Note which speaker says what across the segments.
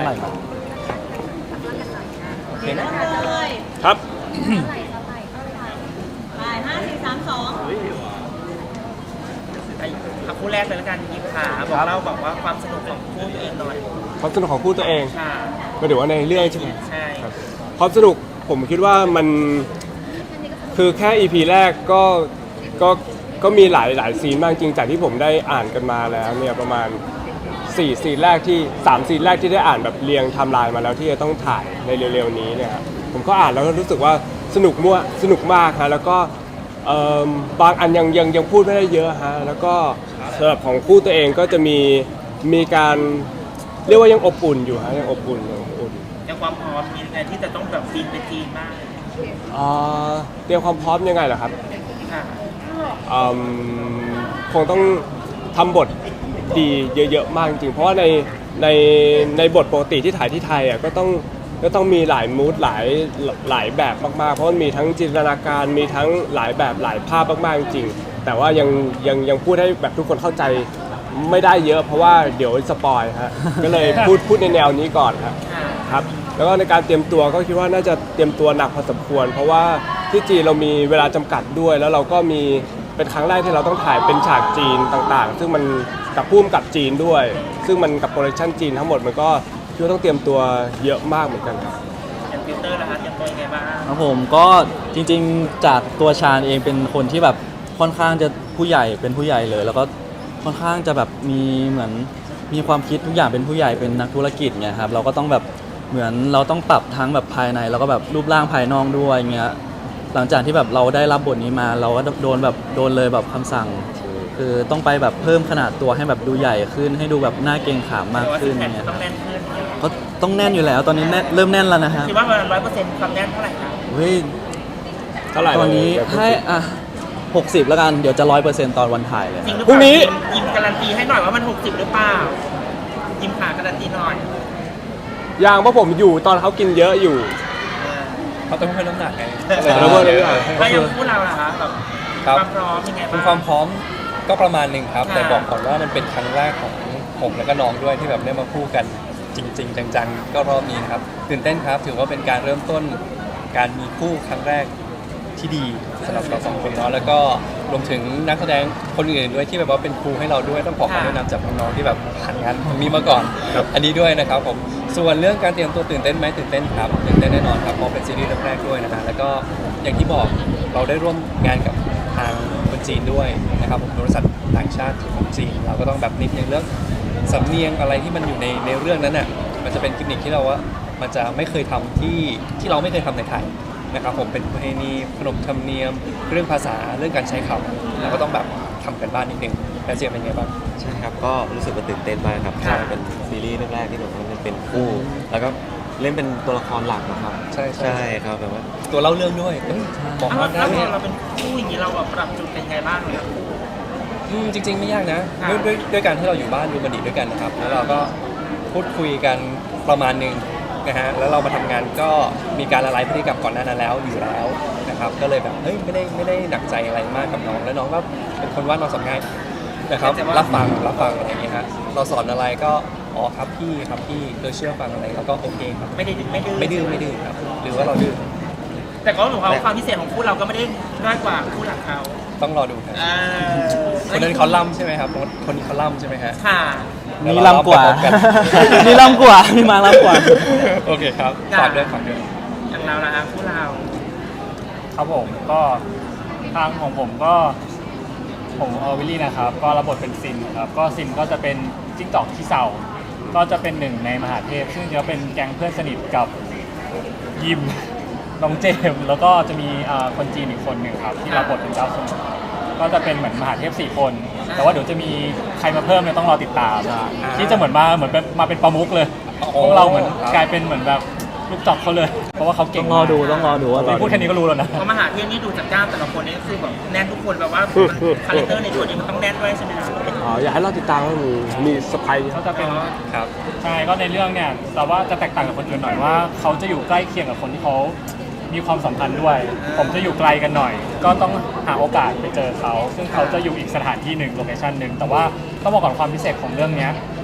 Speaker 1: ไหร่มา
Speaker 2: เห็นเลย
Speaker 3: ครับ
Speaker 2: ไป5 4 3 2
Speaker 4: คู่แรกเลยแล้วกันยิมขาบอกเล่าบอกว่าความสนุกของคู่ตัวเองหน่อย
Speaker 3: ความสนุกของคู่ตัวเอง
Speaker 4: ค่ะ
Speaker 3: ก็เดี๋ยวว่าในเรื่องใช่ไหม
Speaker 4: ใช่
Speaker 3: ความสนุกผมคิดว่ามันคือแค่ EP แรกก็มีหลายซีนมากจริงจากที่ผมได้อ่านกันมาแล้วเนี่ยประมาณ4 ซีนแรกที่3 ซีนแรกที่ได้อ่านแบบเรียงไทม์ไลน์มาแล้วที่จะต้องถ่ายในเร็วๆนี้เนี่ยครับผมก็อ่านแล้วก็รู้สึกว่าสนุกมากฮะแล้วก็บางอันยังพูดไม่ได้เยอะฮะแล้วก็สำหรับของคู่ตัวเองก็จะมีการเรียกว่ายังอบอุ่นอยู่ฮะยังอบอุ่น
Speaker 4: ยังความพร้อมมีไงที่จะต้องแบบบินไปจีนมาก
Speaker 3: เตรียมความพร้อมยังไงเหรอครับคงต้องทำบทดีเยอะๆมากจริงๆเพราะว่าในบทปกติที่ถ่ายที่ไทยอ่ะก็ต้องมีหลายมูดหลายแบบมากๆเพราะมันมีทั้งจินตนาการมีทั้งหลายแบบหลายภาพมากๆจริงๆแต่ว่ายังพูดให้แบบทุกคนเข้าใจไม่ได้เยอะเพราะว่าเดี๋ยวสปอยฮะก็เลยพูดในแนวนี้ก่อนครับแล้วก็ในการเตรียมตัวก็คิดว่าน่าจะเตรียมตัวหนักพอสมควรเพราะว่าที่จีนเรามีเวลาจำกัดด้วยแล้วเราก็มีเป็นครั้งแรกที่เราต้องถ่ายเป็นฉากจีนต่างๆซึ่งมันกับพุ่มกับจีนด้วยซึ่งมันกับโปรดักชั่นจีนทั้งหมดมันก็คิดว่าต้องเตรียมตัวเยอะมากเหมือนกันครับ
Speaker 4: อย่างฟิลเตอร์นะคะเตรียมตัวยังไงบ้าง
Speaker 1: ครับผมก็จริงๆจากตัวชาญเองเป็นคนที่แบบค่อนข้างจะผู้ใหญ่เป็นผู้ใหญ่เลยแล้วก็ค่อนข้างจะแบบเหมือนมีความคิดทุกอย่างเป็นผู้ใหญ่เป็นนักธุรกิจไงครับเราก็ต้องแบบเหมือนเราต้องปรับทั้งแบบภายในแล้วก็แบบรูปร่างภายนอกด้วยเงี้ยหลังจากที่แบบเราได้รับบทนี้มาเราก็โดนเลยแบบคำสั่งคือต้องไปแบบเพิ่มขนาดตัวให้แบบดูใหญ่ขึ้นให้ดูแบบหน้าเกรงขามมากขึ้นเนี่ย
Speaker 4: ต้องแน่นขึ้น
Speaker 1: ก็ต้องแน่นอยู่แล้วตอนนี้เริ่มแน่นแล้วนะฮะ
Speaker 4: คิดว่าประมาณ100%ความแน่นเท่าไหร่ครับ
Speaker 1: เฮ้ย
Speaker 3: เท่าไหร่
Speaker 1: ตอนนี้ให้60แล้วกันเดี๋ยวจะ100%ตอนวันถ่ายเลย
Speaker 3: พรุ่งนี้
Speaker 4: ยิมการันตีให้หน่อยว่ามัน60หรือเปล่ายิมขาการันตีหน่อย
Speaker 3: อย่างเพราะผมอยู่ตอนเขากินเยอะอยู่
Speaker 5: เขาต้องเพิ่มน้ำหนักไง
Speaker 3: แล้วก็เลย
Speaker 4: แล้วยังพูดเราล่ะคะแบบความพร้อมยังไงบ้าง
Speaker 5: ความพร้อมก็ประมาณหนึ่งครับแต่บอกก่อนว่ามันเป็นครั้งแรกของผมและก็น้องด้วยที่แบบได้มาคู่กันจริงๆจังๆก็รอบนี้นะครับตื่นเต้นครับถือว่าเป็นการเริ่มต้นการมีคู่ครั้งแรกที่ดีสำหรับเรา2 คนเนาะแล้วก็รวมถึงนักแสดงคนอื่นด้วยที่แบบว่าเป็นครูให้เราด้วยต้องขอคำแนะนำจากน้องๆที่แบบผ่านงานตรงนี้มาก่อนอันนี้ด้วยนะครับผมส่วนเรื่องการเตรียมตัวตื่นเต้นไหมตื่นเต้นครับตื่นเต้นแน่นอนครับเพราะเป็นซีรีส์เรื่องแรกด้วยนะฮะแล้วก็อย่างที่บอกเราได้ร่วมงานกับทางคนจีนด้วยนะครับผมบริษัทต่างชาติของจีนเราก็ต้องแบบนิดนึงเรื่องสำเนียงอะไรที่มันอยู่ในเรื่องนั้นน่ะมันจะเป็นกิมมิคที่เราว่ามันจะไม่เคยทำที่เราไม่เคยทำในไทยนะครับผมเป็นประเพณีขนบธรรมเนียมเรื่องภาษาเรื่องการใช้คำเราก็ต้องแบบทำกันบ้านนิดนึงแล้วเจียเป็นไงบ้าง
Speaker 6: ใช่ครับก็รู้สึกว่าตื่นเต้นมากครับเป็นซีรีส์เรื่องแรกที่ผมมันเป็นคู่แล้วก็เล่นเป็นตัวละครหลักนะครับ
Speaker 5: ใช่
Speaker 6: ครับแบบว่า
Speaker 5: ตัวเล่าเรื่องด้วย
Speaker 4: บอกว่าแล้วเราเป็นคู่อย่างนี้เราแบบปรับจุดเป็นไงบ้างเลย
Speaker 5: จริงๆไม่ยากนะด้วยการที่เราอยู่บ้านดูบันดีด้วยกันนะครับแล้วเราก็พูดคุยกันประมาณนึงนะฮะแล้วเรามาทำงานก็มีการละลายพฤติกรรมก่อนหน้านั้นแล้วอยู่แล้วนะครับก็เลยแบบเฮ้ยไม่ได้หนักใจอะไรมากกับน้องแล้วน้องก็เป็นคนว่าน้องสอนง่ายนะครับรับฟังอะไรอย่างเงี้ยฮะเราสอนอะไรก็อ๋อครับพี่เชื่อฟังอะไรแล้วก็โอเคครับ
Speaker 4: ไม่ดื้อ
Speaker 5: ครับหรือว่าเราดื้อ
Speaker 4: แต่ก็หนูความพิเศษของคู่เราก็ไม่ได้น้อยกว่าคู่หลักเขา
Speaker 5: ต้องรอดูครับคนนั้นเขาล่ำใช่ไหมครับคนนี้เขาล่ำใช่ไหมฮะ
Speaker 4: ค่ะ
Speaker 1: มีล่ำกว่ามีล่ำกว่ามีมาล่ำกว่า
Speaker 5: โอเคครับฝากด้วย
Speaker 4: อย่างเราละคู่เรา
Speaker 7: ครับผมก็ทางของผมวิลลี่นะครับก็รับบทเป็นซินครับก็ซินก็จะเป็นจิ้งจอกขี้เศร้าก็จะเป็นหนึ่งในมหาเทพซึ่งจะเป็นแก๊งเพื่อนสนิทกับยิมน้องเจมแล้วก็จะมีคนจีนอีกคนหนึ่งครับที่รับบทเป็นเจ้าสมุทรก็จะเป็นเหมือนมหาเทพ4 คนแต่ว่าเดี๋ยวจะมีใครมาเพิ่มเนี่ยต้องรอติดตามที่จะเหมือนมาเป็นประมุขเลยพวกเราเหมือนกลายเป็นเหมือนแบบลูกจอกเขาเลยเพราะว่าเขาเก่ง
Speaker 1: ต้องรอดูว่า
Speaker 7: พูดแค่นี้ก็รู้แล้วนะ
Speaker 4: เพราะมหาเทพนี่ดูจากกล้ามแต่ละคนนี่คือแบบแน่นทุกคนแบบว่าคาแรคเตอร์ในตัวนี้มันต้องแน่นด้วยใช่ไหมครับ
Speaker 3: อยากให้เราติดตามว่ามีสไปร์
Speaker 7: เขาจะเป็น
Speaker 5: ครับ
Speaker 7: ใช่ก็ในเรื่องเนี่ยแต่ว่าจะแตกต่างกับคนอื่นหน่อยว่าเขาจะอยู่ใกล้เคียงกับคนที่เขามีความสัมพันธ์ด้วยผมจะอยู่ไกลกันหน่อย ก็ต้องหาโอกาสไปเจอเขาซึ่งเขาจะอยู่อีกสถานที่หนึ่งโลเคชั่นหนึ่งแต่ว่าต้องบอกก่อนความพิเศษของเรื่องนี้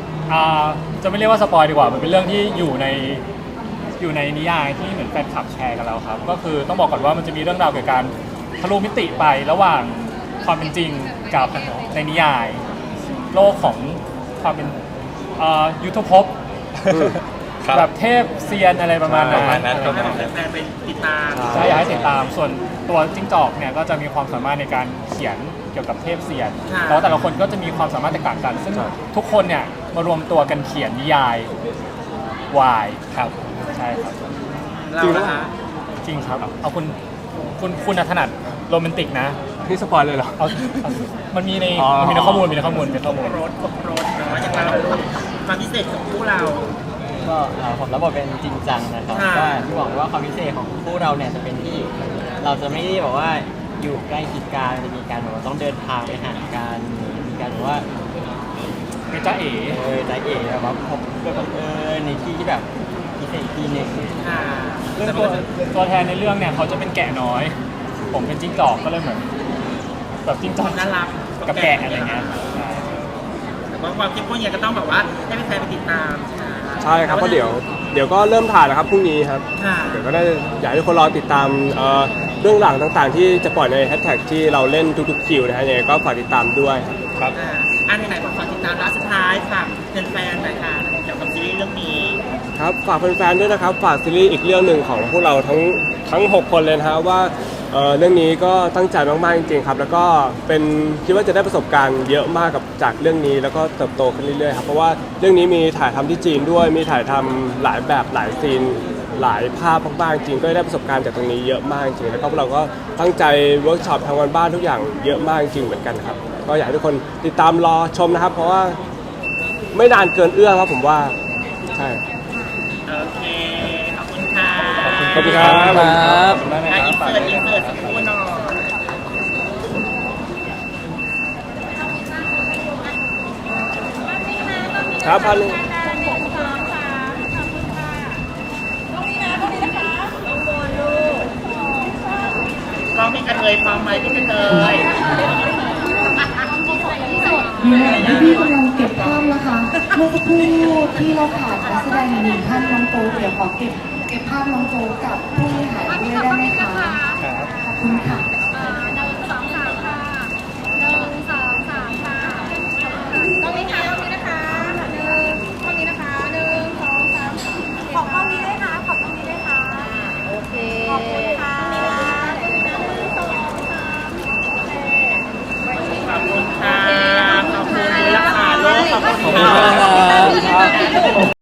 Speaker 7: จะไม่เรียกว่าสปอยดีกว่ามันเป็นเรื่องที่อยู่ในนิยายที่เหมือนแฟนคลับแชร์กันแล้วครับ ก็คือต้องบอกก่อนว่ามันจะมีเรื่องราวเกี่ยวกับการทะลุมิติไประหว่างความเป็นจริงกับในนิยาย โลกของความเป็นยุทธภพ
Speaker 5: ครับ
Speaker 7: แบบเทพเซียนอะไรประมาณ
Speaker 5: ประมาณ
Speaker 7: นั้
Speaker 5: นั้น น
Speaker 4: ให้แบบแฟนๆไปติดตาม
Speaker 7: ใช่อยากให้ติดตามส่วนตัวจิ้งจอกเนี่ยก็จะมีความสามารถในการเขียนเกี่ยวกับเทพเซียน
Speaker 4: ค่ะ
Speaker 7: แล้วแต่ละคนก็จะมีความสามารถแตกต่างกัน ซึ่งทุกคนเนี่ยมารวมตัวกันเขียนนิยายวาย
Speaker 5: ครับ
Speaker 7: ใช่ครับ
Speaker 4: เรานะคะ
Speaker 7: จริงครับเอาคุณถนัดโรแมนติกนะ
Speaker 3: นี่สปอยเลยเหรอ
Speaker 7: เอามันมีใน
Speaker 3: อ๋อ
Speaker 7: มีในข้อมูลมีในข้อมูล
Speaker 4: ครบรถเนาะอย่างเราความพิเศษของคู่เรา
Speaker 8: ก็ผมรับบทเป็นจริงจังนะครับ
Speaker 4: ค่ะ
Speaker 8: ก็ที่บอกว่าความพิเศษของคู่เราเนี่ยจะเป็นที่เราจะไม่ได้บอกว่าอยู่ใกล้ชิดกันจะมีการแบบว่าต้องเดินทางไปหากันมีการแบบว่า
Speaker 7: เป็นจ้าเอ๋
Speaker 8: ใจเอ๋แบบว่าพบกันบังเอิญในที่ที่แบบพิเศษอีกที่หนึ่ง
Speaker 4: ค่ะ
Speaker 7: เรื่องตัวแทนในเรื่องเนี่ยเขาจะเป็นแกะน้อย ผมเป็นจิ้งจอกก็เลยเหมือนแบบจิ้งจอก
Speaker 4: น่ารัก
Speaker 7: กับแกะอะไรเงี้ย
Speaker 4: แต่ว่าความเข้มข้นเนี่ยก็ต้องแบบว่าให้แฟนๆไปติดตาม
Speaker 3: ใช่ครับเพราะเดี๋ยวก็เริ่มถ่ายแล้วครับพรุ่งนี้ครับ
Speaker 4: ค่ะ
Speaker 3: เดี๋ยวก็ได้อยากให้ทุกคนรอติดตามเรื่องหลังต่างๆ ที่จะปล่อยในแฮชแท็กที่เราเล่นทุกๆคิวนะฮะยังไงก็ฝากติดตามด้วย
Speaker 5: ครับ
Speaker 4: อันไหนๆฝากติดตามร้านสุดท้ายฝากแฟนๆหน่อยค่ะเกี่ยวกับซีรีส์เรื่องนี้
Speaker 3: ครับฝากแฟนๆด้วยนะครับฝากซีรีส์อีกเรื่องหนึ่งของพวกเราทั้ง 6 คนเลยนะฮะว่าเรื่องนี้ก็ตั้งใจมากๆจริงๆครับแล้วก็เป็นคิดว่าจะได้ประสบการณ์เยอะมากกับจากเรื่องนี้แล้วก็เติบโตขึ้นเรื่อยๆครับเพราะว่าเรื่องนี้มีถ่ายทำที่จีนด้วยมีถ่ายทำหลายแบบหลายซีนหลายภาพมากๆจริงก็ได้ประสบการณ์จากตรงนี้เยอะมากจริงแล้วก็พวกเราก็ตั้งใจเวิร์กช็อปทำงานบ้านทุกอย่างเยอะมากจริงเหมือนกันครับก็อยากให้ทุกคนติดตามรอชมนะครับ เพราะว่าไม่นานเกินเอื้อมครับผมว่าใช่
Speaker 4: โอเค ขอบคุณค่ะ
Speaker 3: ขอบคุณครับ
Speaker 1: ครับ
Speaker 4: อ่ะอินเสิร์ตสักครู่หน่อย
Speaker 3: ครับพันหนึ่ง
Speaker 4: กล้องพี่กระเทยพร้อมไหมพี่กระเทย
Speaker 9: พี่กำลังเก็บภาพนะคะ เมื่อสักครู่ที่เราขาดนักแสดงหนึ่งท่านน้องโป๊กเดี๋ยวขอเก็บภาพน้องโป๊กกับผู้บริหารด้วยได้ไหมคะ ขอบคุณค่ะ
Speaker 2: ขอบกล้องนี้ด้วยค่ะ ขอบกล้องนี้ด้วยค่ะ โอเค ขอบคุณค่ะ
Speaker 4: ขอบคุณค่ะ ขอบคุณราคาโลกขอบคุณ
Speaker 1: ขอบคุณมากครับ